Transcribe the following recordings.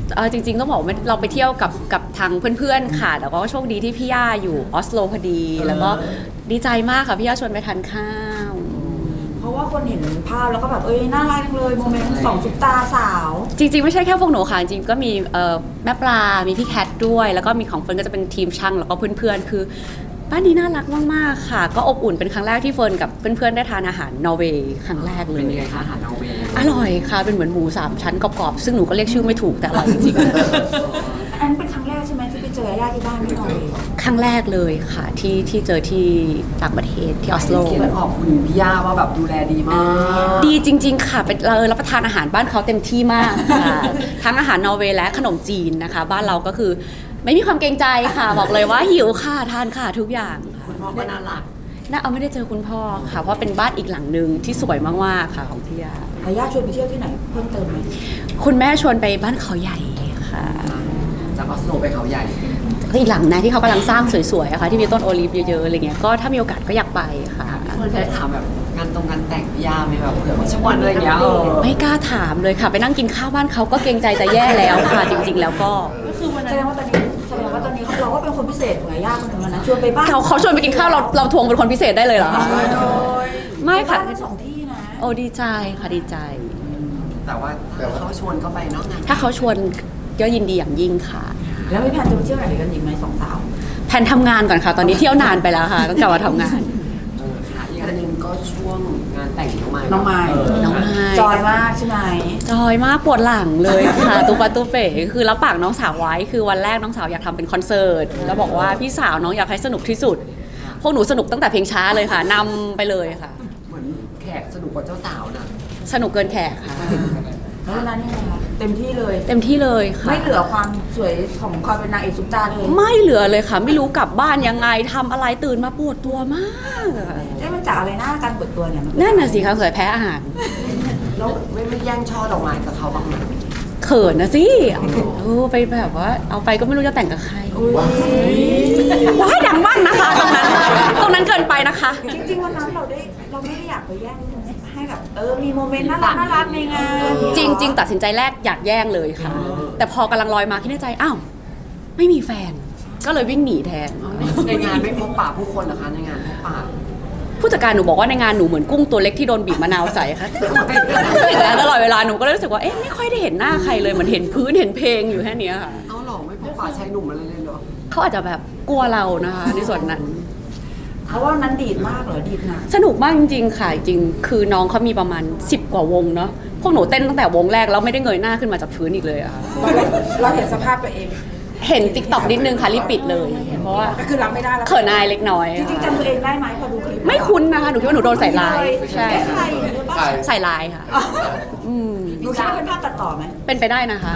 จริงๆต้องบอกว่าเราไปเที่ยวกับทางเพื่อนๆค่ะแต่ก็โชคดีที่พี่ย่าอยู่ออสโลพอดีแล้วก็ดีใจมากค่ะพี่ย่าชวนไปทานข้าวเพราะว่าคนเห็นภาพแล้วก็แบบน่ารักจังเลยโมเมนต์สองซุปตาสาวจริงๆไม่ใช่แค่พวกหนูค่ะจริงๆก็มีแม่ปลามีพี่แคทด้วยแล้วก็มีของเฟิร์นก็จะเป็นทีมช่างแล้วก็เพื่อนๆคือบ้านนี้น่ารักมากๆค่ะก็อบอุ่นเป็นครั้งแรกที่เฟิร์นกับเพื่อนๆได้ทานอาหารนอร์เวย์ครั้งแรกเลยเป็นยังไงคะอาหารนอร์เวย์อร่อยค่ะเป็นเหมือนหมู3ชั้นกรอบๆซึ่งหนูก็เรียกชื่อไม่ถูกแต่อร่อยจริงอันนั้นเป็นครั้งแรกใช่ไหมที่ไปเจอญาติที่บ้านที่นอร์เวย์ครั้งแรกเลยค่ะที่เจอที่ต่างประเทศที่ออสโลเขียนขอบคุณพี่ย่าว่าแบบดูแลดีมากดีจริงๆค่ะเป็นเรารับประทานอาหารบ้านเขาเต็มที่มากค่ะทั้งอาหารนอร์เวย์และขนมจีนนะคะบ้านเราก็คือไม่มีความเกรงใจค่ะบอกเลยว่าหิวค่ะทานค่ะทุกอย่างคุณพ่อก็น่ารักไม่ได้เจอคุณพ่อค่ะเพราะเป็นบ้านอีกหลังนึงที่สวยมากๆค่ะของพี่ย่าญาติชวนไปเที่ยวที่ไหนเพิ่มเติมไหมคุณแม่ชวนไปบ้านเขาใหญ่ค่ะจากออสโลไปเขาใหญ่ก็อีกหลังนะที่เขากำลังสร้างสวยๆอะค่ะที่มีต้นโอลิฟเยอะๆอะไรเงี้ยก็ถ้ามีโอกาสก็อยากไปค่ะเฟิร์นได้ถามแบบงานแต่งพี่ย่าไหมแบบเผื่อว่าชวนอะไรอย่างเงี้ยไม่กล้าถามเลยค่ะไปนั่งกินข้าวบ้านเขาก็เกรงใจจะแย่แล้วค่ะจริงๆแล้วก็คือวันนั้นแสดงว่าตอนนี้เราก็เป็นคนพิเศษของญาติคนนึงนะชวนไปบ้านเขาชวนไปกินข้าวเราทวงเป็นคนพิเศษได้เลยเหรอไม่ค่ะสองที่นะโอ้ดีใจค่ะดีใจแต่ว่าถ้าเขาชวนก็ไปเนาะถ้าเขาชวนก็ยินดีอย่างยิ่งค่ะแล้วมีแผนจะไปเที่ยวไหนกันอีกไหมสองสาวแผนทำงานก่อนค่ะตอนนี้เที่ยวนานไปแล้วค่ะต้องกลับมาทำงานค่ะอีกอันนึงก็ช่วงงานแต่งน้องไม้จอยมากใช่ไหมจอยมากปวดหลังเลยค่ะตุ๊ปะตุ๊เป๋คือรับปากน้องสาวไว้คือวันแรกน้องสาวอยากทำเป็นคอนเสิร์ตแล้วบอกว่าพี่สาวน้องอยากให้สนุกที่สุดพวกหนูสนุกตั้งแต่เพลงช้าเลยค่ะนำไปเลยค่ะเหมือนแขกสนุกกว่าเจ้าสาวนะสนุกเกินแขกค่ะแล้ววันนั้นยังไงคะเต็มที่เลยค่ะไม่เหลือความสวยของความเป็นนางเอกซุปตาเลยไม่เหลือเลยค่ะไม่รู้กลับบ้านยังไงทำอะไรตื่นมาปวดตัวมากมันจากอะไรหน้าการปวดตัวเนี่ยนั่นน่ะสิคะเคยแพ้อาหารแล้วไม่แย่งช่อดอกไม้กับเขาบ้างไหมเขินนะสิไปแบบว่าเอาไปก็ไม่รู้จะแต่งกับใครว้ายดังมากนะคะตรงนั้นเกินไปนะคะจริงๆวันนั้นเราไม่ได้อยากไปแย่งให้แบบมีโมเมนต์น่ารักในงานจริงตัดสินใจแรกอยากแย่งเลยค่ะแต่พอกำลังลอยมาคิดในใจอ้าวไม่มีแฟนก็เลยวิ่งหนีแทนในงานไม่พบปะผู้คนเหรอคะในงานพบปะผู้จัดการหนูบอกว่าในงานหนูเหมือนกุ้งตัวเล็กที่โดนบีบมะนาวใส่ค่ะตลอดเวลาหนูก็เลยรู้สึกว่าไม่ค่อยได้เห็นหน้าใครเลยเหมือนเห็นพื้นเห็นเพลงอยู่แค่นี้ค่ะเอาหรอไม่พบปะชายหนุ่มอะไรเลยเหรอเขาอาจจะแบบกลัวเรานะคะในส่วนนั้นเพราะว่านั้นดีดมากเหรอดีดนะสนุกมากจริงๆค่ะจริงคือน้องเขามีประมาณ10 กว่าวงเนาะพวกหนูเต้นตั้งแต่วงแรกแล้วไม่ได้เงยหน้าขึ้นมาจากพื้นอีกเลยอะเราเห็นสภาพตัวเองเห็นติ๊กต็อกนิดนึงค่ะรีบปิดเลยเพราะว่าก็คือรับไม่ได้แล้วเขินอายเล็กน้อยจริงๆจำตัวเองได้ไหมพอดูคลิปไม่คุ้นนะคะหนูคิดว่าหนูโดนใส่ลายใช่ใส่ลายค่ะหนูคิดว่าเป็นภาพตัดต่อไหมเป็นไปได้นะคะ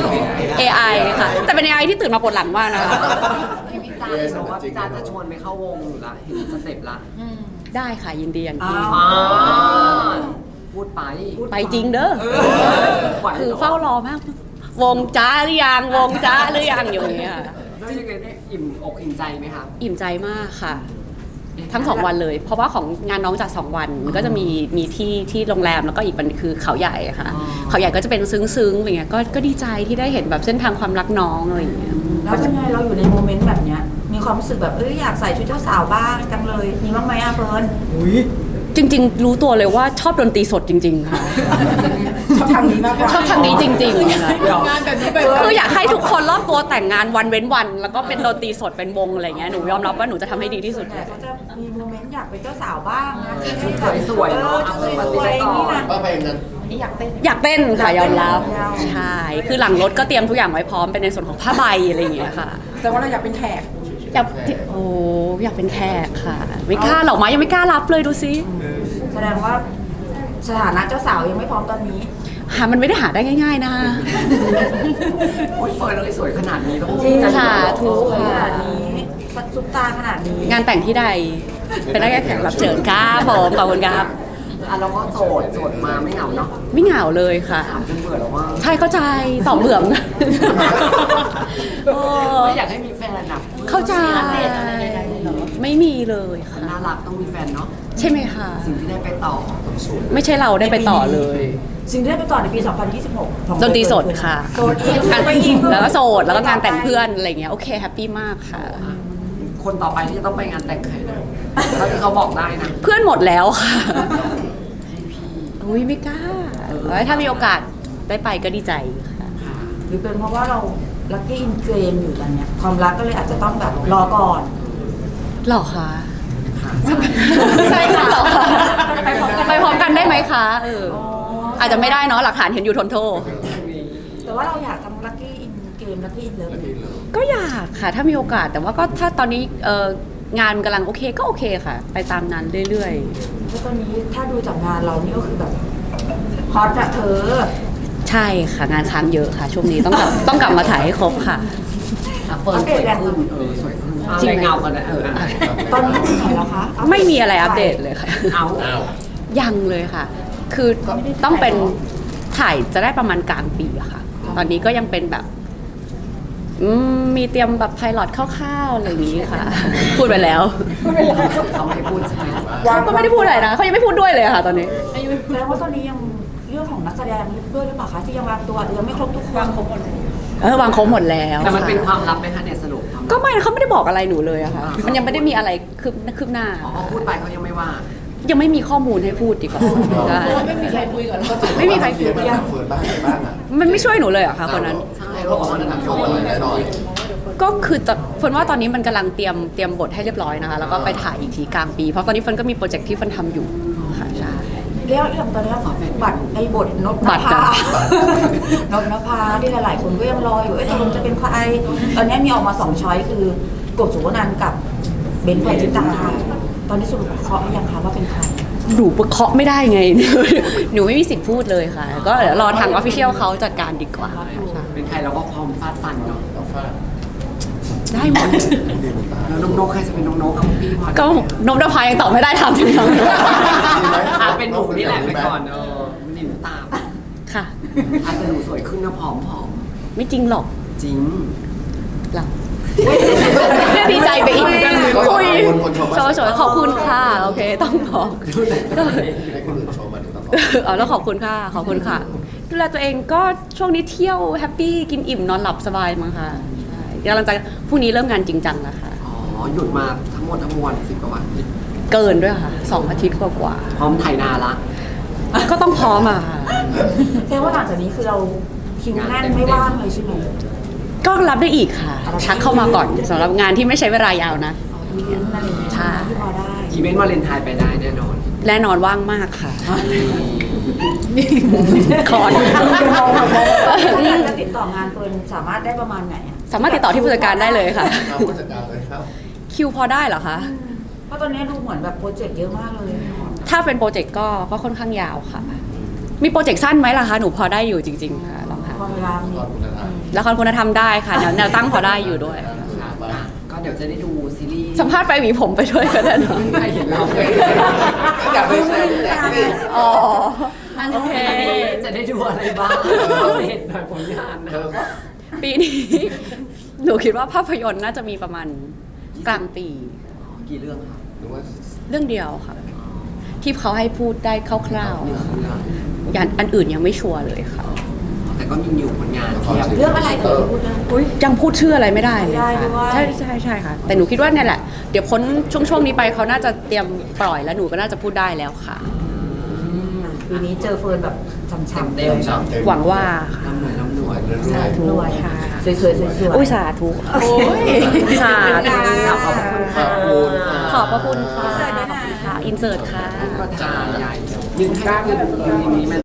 AI ค่ะแต่เป็น AI ที่ตื่นมาปวดหลังมากนะคะพี่จ้าบอกว่าพี่จ้าจะชวนไปเข้าวงอยู่ละเห็นสเต็ปละได้ค่ะยินดีอย่างยิ่งพูดไปจริงเด้อคือเฝ้ารอมากวงจ้าหรือยังอยู่อย่างเงี้ยแล้วยังไงได้อิ่มอกอิ่มใจไหมคะอิ่มใจมากค่ะทั้ง2 วันเลยเพราะว่าของงานน้องจัด2 วันก็จะมีที่โรงแรมแล้วก็อีกวันคือเขาใหญ่ค่ะเขาใหญ่ก็จะเป็นซึ้งๆอย่างเงี้ยก็ดีใจที่ได้เห็นแบบเส้นทางความรักน้องอะไรอย่างเงี้ยแล้วยังไงเราอยู่ในโมเมนต์แบบเนี้ยมีความรู้สึกแบบอยากใส่ชุดเจ้าสาวบ้างจังเลยมีบ้างไหมเฟิร์นจริงๆรู้ตัวเลยว่าชอบดนตรีสดจริงๆค่ะชอบทางนี้มากกว่าชอบทางนี้จริงๆค่ะงานแบบนี้คืออยากให้ทุกคนรอบตัวแต่งงานวันเว้นวันแล้วก็เป็นดนตรีสดเป็นวงอะไรเงี้ยหนูยอมรับว่าหนูจะทำให้ดีที่สุดเขาจะมีโมเมนต์อยากเป็นเจ้าสาวบ้างนะสวยๆเนาะสวยๆนี่นะอยากเต้นค่ะยอมรับใช่คือหลังรถก็เตรียมทุกอย่างไว้พร้อมเป็นในส่วนของผ้าใบอะไรอย่างเงี้ยค่ะแต่ว่าเราอยากเป็นแขกอยากเป็นแขกค่ะไม่กล้าหรอกมั้ยยังไม่กล้ารับเลยดูซิแสดงว่าสถานะเจ้าสาวยังไม่พร้อมตอนนี้มันไม่ได้หาได้ง่ายๆนะโอ้ยเฟิร์นเลยสวยขนาดนี้ต้องค่ะทุกขนาดนี้ซุปตาขนาดนี้งานแต่งที่ใดเป็นได้แค่แขกรับเชิญครับผมขอบคุณครับเราก็โสดมาไม่เหงาเนาะไม่เหงาเลยค่ะถามจนเบื่อแล้วว่าใช่เข้าใจต่อเบื่อไม่อยากให้มีแฟนนะเข้าใจไม่มีเลยค่ะน่ารักต้องมีแฟนเนาะใช่ไหมคะสิ่งที่ได้ไปต่อไม่ใช่เราได้ไปต่อเลยสิ่งที่ได้ไปต่อในปี 2026ของดนตรีสดค่ะโสดอีกงานแล้วก็โสดแล้วก็งานแต่งเพื่อนอะไรเงี้ยโอเคแฮปปี้มากค่ะคนต่อไปที่จะต้องไปงานแต่งใครนะถ้าที่เขาบอกได้นะเพื่อนหมดแล้วค่ะอุ้ยไม่กล้าถ้ามีโอกาสได้ไปก็ดีใจค่ะหรือเป็นเพราะว่าเราลัคกี้อินเกมอยู่กันเนี่ยความรักก็เลยอาจจะต้องแบบรอก่อนหรอคะค่ะใช่ค่ะหรอคะไปพร้อมกันได้ไหมคะอ๋ออาจจะไม่ได้เนาะหลักฐานเห็นอยู่ทนโทษแต่ว่าเราอยากทำลัคกี้อินเกมลัคกี้อินเลิฟก็อยากค่ะถ้ามีโอกาสแต่ว่าก็ถ้าตอนนี้งานกำลังโอเคก็โอเคค่ะ ไปตามนั้นเรื่อยแล้วตอนนี้ถ้าดูจากงานเรานี่ก็คือแบบฮอตอะเธอๆ ใช่ค่ะงานค้างเยอะค่ะ ช่วงนี้ต้องกลับมาถ่ายให้ครบค่ะเฟิร์นสวยขึ้นสวยขึ้นจริงไหมเงากันนะตอนนี้ถึงไหนแล้วคะไม่มีอะไรอัปเดตเลยค่ะเอายังเลยค่ะ คือต้องเป็นถ่ายจะได้ประมาณกลางปีอะค่ะ ตอนนี้ก็ยังเป็นแบบมีเตรียมแบบไพลอตคร่าวๆอะไรอย่างนี้ค่ะ พูดไปแล้วเขาไม่พูดใช่ไหมเขาก็ไม่ได้พูดอะไรนะเขายังไม่พูดด้วยเลยค่ะ ตอนนี้แปลว่าตอนนี้ยังเรื่องของนักแสดงด้วยหรือเปล่าคะที่ยังวางตัวอาจจะยังไม่ครบทุกคนวางครบหมดเลยวางครบหมดแล้วแต่มันเป็นคค่ะวามลับไหมคะเนี่ยสรุปความลับก็ไม่เขาไม่ได้บอกอะไรหนูเลยอะค่ะ มันยังไม่ได้มีอะไรคืบหน้าอ๋อพูดไปเขายังไม่ว่ายังไม่มีข้อมูลให้พูดดีกว่าใช่ไม่มีใครคุยกับเราไม่มีใครคุยเฟิร์นบ้างอะไรบ้างอ่ะมันไม่ช่วยหนูเลยเหรอะค่ะคนนั้นใช่เขาบอกว่าหนักโชว์อะไรแน่นอนก็คือเฟิร์นว่าตอนนี้มันกำลังเตรียมบทให้เรียบร้อยนะคะ แล้วก็ไปถ่ายอีกทีกลางปี เพราะตอนนี้เฟิร์นก็มีโปรเจกต์ที่เฟิร์นทำอยู่ค่ะใช่แล้วอย่างตอนนี้บัตรในบทนพนบัตรภาจ้ะนพนภาที่หลายๆคนก็ยังรออยู่ตกลงจะเป็นใครตอนนี้มีออกมา2 ช้อยคือกบสุวรรณันท์กับเบนซ์ปณิตาตอนนี้สรุปเคาะหรือยังคะว่าเป็นใครหนูเคาะไม่ได้ไง หนูไม่มีสิทธิ์พูดเลยค่ะ ก็เดี๋ยวรอทางออฟฟิเชียลเขาจัดการดีกว่าเป็นใครเราก็พร้อมฟาดฟันเนาะเอาฟาดได้หมดแล้วน้องนกใครจะเป็นน้องนกกับพี่พอก็นมดาพายังตอบไม่ได้ทำถึงยังเป็นหนูนี่แหละไปก่อนมันหนูตามค่ะอาจจะหนูสวยขึ้นนะผอมไม่จริงหรอกจริงหรอกเนี่ยดีใจไปอีกคุยโชว์ขอบคุณค่ะ โอเค ต้องบอกก็ให้คนอื่นโชว์มาดูตลอดอ๋อแล้วขอบคุณค่ะ ขอบคุณค่ะ ดูแลตัวเองก็ช่วงนี้เที่ยวแฮปปี้กินอิ่มนอนหลับสบายมั้งค่ะใช่กำลังจะพรุ่งนี้เริ่มงานจริงจังแล้วค่ะอ๋อหยุดมาทั้งหมดทั้งมวล10 กว่าวันเกินด้วยค่ะ2 อาทิตย์กว่าพร้อมไถนาละๆก็ต้องพร้อมอะค่ะแสดงว่าหลังจากนี้คือเราคิวแน่นไม่ว่างเลยใช่ไหมก็รับได้อีกค่ะ ทักเข้ามาก่อนสำหรับงานที่ไม่ใช้เวลายาวนะอีเวนต์อะไรอย่างเงี้ยใช่ที่พอได้อีเวนต์วาเลนไทน์ไปได้แน่นอนแน่นอนว่างมากค่ะคอนถ้าอยากจะติดต่องานเฟิร์นสามารถได้ประมาณไหนอะสามารถติดต่อที่ผู้จัดการได้เลยค่ะเอาผู้จัดการเลยครับคิวพอได้เหรอคะเพราะตอนนี้ดูเหมือนแบบโปรเจกต์เยอะมากเลยถ้าเป็นโปรเจกต์ก็ค่อนข้างยาวค่ะ มีโปรเจกต์สั้นไหมล่ะคะ หนูพอได้อยู่จริง ๆ ค่ะลองค่ะพอเวลามีก่อนคุณธรรมละครคุณธรรมได้ค่ะแนวตั้งพอได้อยู่ด้วยก็เดี๋ยวจะได้ดูซีรีส์สัมภาษณ์ไปหวีผมไปด้วยก็ได้เนอะใครเห็นเราอยากไปแชร์อยากไปอ๋อโอเคจะได้ดูอะไรบ้างเห็นหน่อยผลงานนะปีนี้ หนูคิดว่าภาพยนตร์น่าจะมีประมาณกลางปีกี่เรื่องคะหรือว่าเรื่องเดียวค่ะ ที่เขาให้พูดได้คร่าวๆค่ะอย่างอันอื่นยังไม่ชัวร์เลยค่ะแต่ก็มีอยู่ผลงานเทียบเรื่องอะไรเกิดพูดได้ยังพูดชื่ออะไรไม่ได้เลยไม่ได้ค่ะด้วยใช่ค่ะ แต่หนูคิดว่าเนี่ยแหละ เดี๋ยวพ้นช่วงนี้ไปเขาน่าจะเตรียมปล่อยแล้วหนูก็น่าจะพูดได้แล้วค่ะปีนี้เจอเฟิร์นแบบช้ำๆเต็มสามเต็มหวังว่าค่ะลำหน่วยลำหน่วยสาธุรวยค่ะสวยๆอุ้ยสาธุสาธุขอบคุณค่ะขอบพระคุณค่ะขอบคุณค่ะอินเสิร์ตค่ะก็ทาใหญ่ยืนข้างยืนนี้มัน